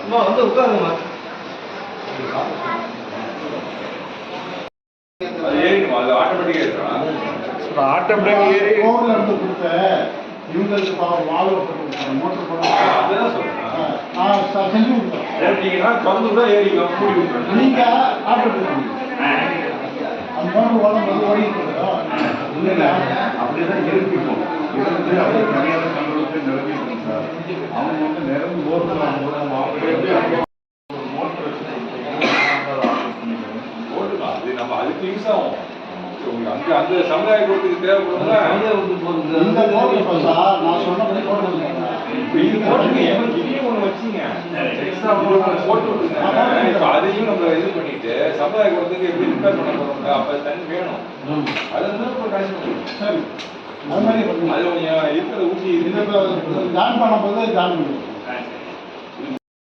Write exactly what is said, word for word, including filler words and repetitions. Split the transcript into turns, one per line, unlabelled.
அம்மா வந்து உட்காருங்கம்மா.
அது ஏறிடுமா? அது ஆட்டோமேட்டிக்கா ஏறிடுமா?
ஆட்டோமேட்டிக்கா ஏறி
கோவில் இருந்து கொடுத்த இவங்களுக்கு வாழ்வு மோட்டர் போட
அதுதான் சொல்றேன்.
நான் செஞ்சு கொடுத்தேன்.
ஏறிட்டீங்கன்னா திறந்து கூட ஏறிக்கலாம், மூடி விட்டுருங்க.
நீங்க ஆட்டோமேட்டிக் அந்த மோட்டர் ஓடும்போது ஓடிட்டு இருக்கோம்.
இல்லை அப்படிதான் இருப்பிப்போம் இருந்து அப்படியே தனியாக கண்ட்ரோலுக்கு நிரம்பிக்கும் சார். அவங்க வந்து நிரம்பி ஓட்டுறாங்க
ஓட்டுக்கலாம். அது நம்ம அதுக்கு யூஸ் ஆகும். அந்த அந்த சமுதாய கூட்டத்துக்கு தேவைப்படுங்க.
இந்த மோட்டர் சார் நான் சொன்னபடி போட்டு
இது போட்டுங்க, இதையும் ஒன்று வச்சுங்க, எக்ஸ்ட்ரா போட்டு விட்டுருங்க. இப்போ அதையும் நம்ம இது பண்ணிட்டு சமுதாய கூட்டத்துக்கு எப்படி ரிப்பேர் பண்ண போறோம், அப்போ தண்ணி வேணும். அது வந்து இப்போ கஷ்டம்.
சரி அது மாதிரி
அது கொஞ்சம் இருக்கிற ஊசி
ஜாயின் பண்ணும்போது ஜாயின் பண்ணுவோம்.